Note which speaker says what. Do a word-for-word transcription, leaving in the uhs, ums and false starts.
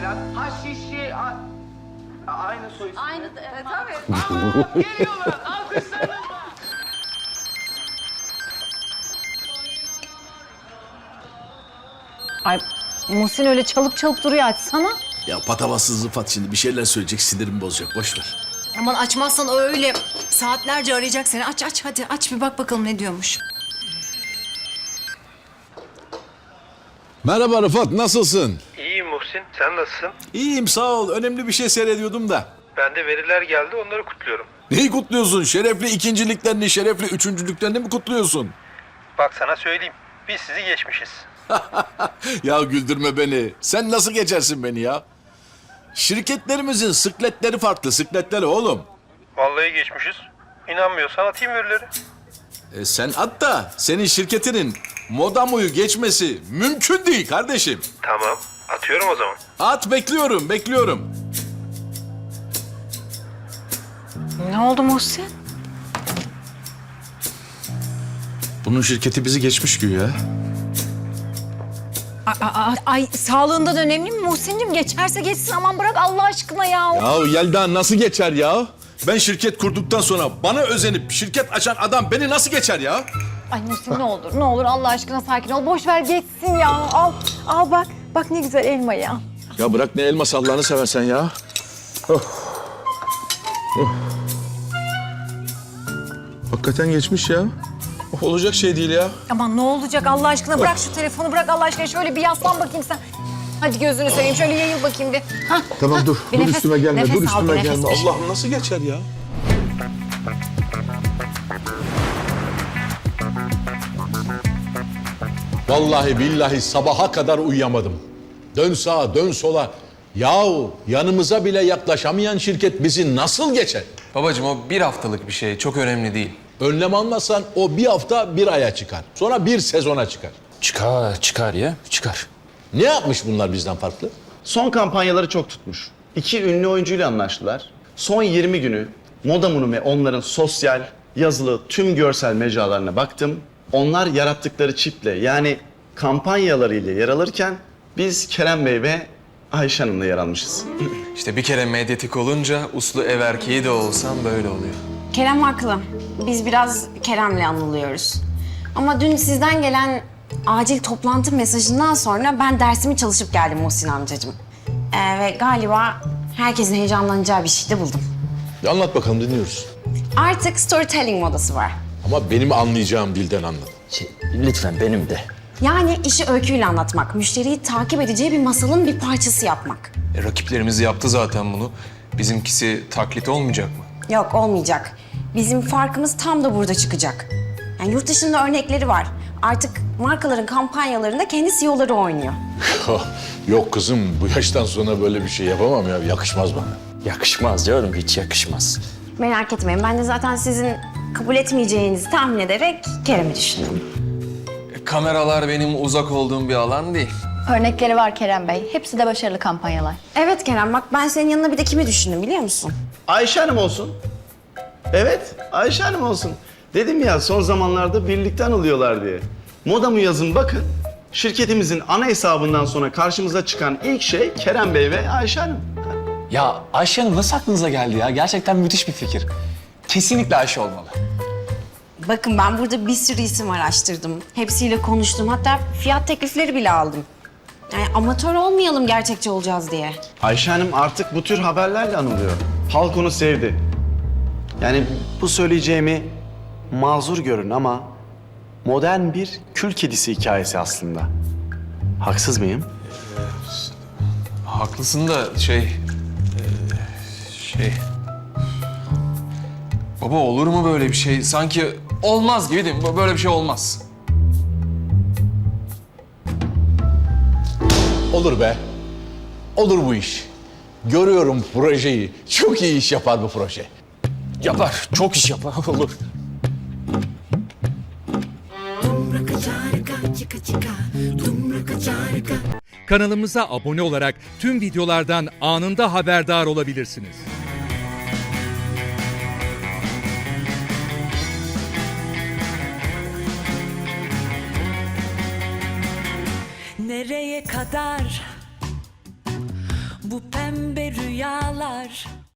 Speaker 1: Taylan. Ha Şişi. A... A- Aynı soy ismi.
Speaker 2: Aynı, evet tabii.
Speaker 1: Ama geliyorlar. Alkışlarınızla.
Speaker 3: Ay Muhsin öyle çalıp çalıp duruyor, açsana.
Speaker 4: Ya patavatsız Rıfat şimdi bir şeyler söyleyecek, sinirimi bozacak. Boş ver.
Speaker 5: Aman açmazsan o öyle saatlerce arayacak seni. Aç aç hadi aç bir bak bakalım ne diyormuş.
Speaker 4: Merhaba Rıfat, nasılsın?
Speaker 6: İyiyim Muhsin, sen nasılsın?
Speaker 4: İyiyim, sağ ol. Önemli bir şey seyrediyordum da.
Speaker 6: Ben de veriler geldi, onları kutluyorum.
Speaker 4: Neyi kutluyorsun? Şerefli ikinciliklerini, şerefli üçüncülüklerini mi kutluyorsun?
Speaker 6: Bak sana söyleyeyim, biz sizi geçmişiz.
Speaker 4: Ya güldürme beni. Sen nasıl geçersin beni ya? Şirketlerimizin sıkletleri farklı, sıkletleri oğlum.
Speaker 6: Vallahi geçmişiz. İnanmıyorsan atayım verileri.
Speaker 4: E sen at da senin şirketinin Modamu'yu geçmesi mümkün değil kardeşim.
Speaker 6: Tamam, atıyorum o zaman.
Speaker 4: At, bekliyorum, bekliyorum.
Speaker 3: Ne oldu Muhsin?
Speaker 4: Bunun şirketi bizi geçmiş güya.
Speaker 3: Ay, ay, ay sağlığından önemli mi Muhsin'cim? Geçerse geçsin, aman bırak Allah aşkına ya.
Speaker 4: Ya Yelda nasıl geçer ya? Ben şirket kurduktan sonra bana özenip şirket açan adam beni nasıl geçer ya?
Speaker 3: Ay Muhsin ne olur, ne olur Allah aşkına sakin ol. Boş ver geçsin ya. Al, al bak. Bak ne güzel elma ya.
Speaker 4: Ya bırak ne elması Allah'ını seversen ya. Oh. Oh. Hakikaten geçmiş ya. Oh, olacak şey değil ya.
Speaker 3: Aman ne olacak Allah aşkına, bırak şu telefonu, bırak Allah aşkına. Şöyle bir yaslan bakayım sen. Hadi gözünü seveyim, şöyle yayıl bakayım bir. Hah,
Speaker 4: Tamam
Speaker 3: hah.
Speaker 4: dur,
Speaker 3: Bir
Speaker 4: dur
Speaker 3: nefes-
Speaker 4: üstüme gelme,
Speaker 3: nefes
Speaker 4: dur
Speaker 3: al, bir
Speaker 4: üstüme
Speaker 3: nefes
Speaker 4: gelme.
Speaker 3: ver.
Speaker 4: Allah'ım nasıl geçer ya?
Speaker 7: Vallahi billahi sabaha kadar uyuyamadım. Dön sağa, dön sola. Yahu yanımıza bile yaklaşamayan şirket bizi nasıl geçer?
Speaker 8: Babacığım o bir haftalık bir şey, çok önemli değil.
Speaker 7: Önlem almazsan o bir hafta bir aya çıkar. Sonra bir sezona çıkar.
Speaker 8: Çıkar, çıkar ya, çıkar.
Speaker 7: Ne yapmış bunlar bizden farklı?
Speaker 9: Son kampanyaları çok tutmuş. İki ünlü oyuncuyla anlaştılar. Son yirmi günü Modamu'nun ve onların sosyal, yazılı tüm görsel mecralarına baktım. Onlar yarattıkları çiple yani kampanyalarıyla yer alırken biz Kerem Bey ve Ayşe Hanım'la yer almışız.
Speaker 8: İşte bir kere medyatik olunca uslu ev erkeği de olsam böyle oluyor.
Speaker 2: Kerem haklı. Biz biraz Kerem'le anılıyoruz. Ama dün sizden gelen acil toplantı mesajından sonra ben dersimi çalışıp geldim Muhsin amcacığım. Ee, ve galiba herkesin heyecanlanacağı bir şey de buldum.
Speaker 7: Bir anlat bakalım, dinliyoruz.
Speaker 2: Artık storytelling modası var.
Speaker 7: Ama benim anlayacağım dilden anlat.
Speaker 10: Şey, lütfen benim de.
Speaker 2: Yani işi öyküyle anlatmak, müşteriyi takip edeceği bir masalın bir parçası yapmak.
Speaker 8: E, rakiplerimiz yaptı zaten bunu. Bizimkisi taklit olmayacak mı?
Speaker 2: Yok, olmayacak. Bizim farkımız tam da burada çıkacak. Yani yurt dışında örnekleri var. Artık markaların kampanyalarında kendi C E O'ları oynuyor.
Speaker 7: Yok kızım, bu yaştan sonra böyle bir şey yapamam ya. Yakışmaz bana.
Speaker 10: Yakışmaz diyorum, hiç yakışmaz.
Speaker 2: Merak etmeyin, ben de zaten sizin kabul etmeyeceğinizi tahmin ederek Kerem'i düşündüm.
Speaker 8: E, kameralar benim uzak olduğum bir alan değil.
Speaker 11: Örnekleri var Kerem Bey. Hepsi de başarılı kampanyalar.
Speaker 2: Evet Kerem, bak ben senin yanına bir de kimi düşündüm biliyor musun?
Speaker 9: Ayşe Hanım olsun. Evet, Ayşe Hanım olsun. Dedim ya son zamanlarda birlikte anılıyorlar diye. Modamu yazın bakın. Şirketimizin ana hesabından sonra karşımıza çıkan ilk şey Kerem Bey ve Ayşe Hanım.
Speaker 10: Ya Ayşe Hanım nasıl aklınıza geldi ya? Gerçekten müthiş bir fikir. Kesinlikle Ayşe olmalı.
Speaker 2: Bakın ben burada bir sürü isim araştırdım. Hepsiyle konuştum. Hatta fiyat teklifleri bile aldım. Yani amatör olmayalım gerçekçi olacağız diye.
Speaker 9: Ayşe Hanım artık bu tür haberlerle anılıyor. Halk onu sevdi. Yani bu söyleyeceğimi mazur görün ama modern bir kül kedisi hikayesi aslında. Haksız mıyım?
Speaker 8: Haklısın da şey... e, şey... Baba olur mu böyle bir şey? Sanki olmaz gibi değil mi? Böyle bir şey olmaz.
Speaker 7: Olur be. Olur bu iş. Görüyorum projeyi. Çok iyi iş yapar bu proje.
Speaker 10: Yapar, çok iş yapar. Olur.
Speaker 12: Kanalımıza abone olarak tüm videolardan anında haberdar olabilirsiniz.
Speaker 5: Nereye kadar
Speaker 13: bu pembe rüyalar.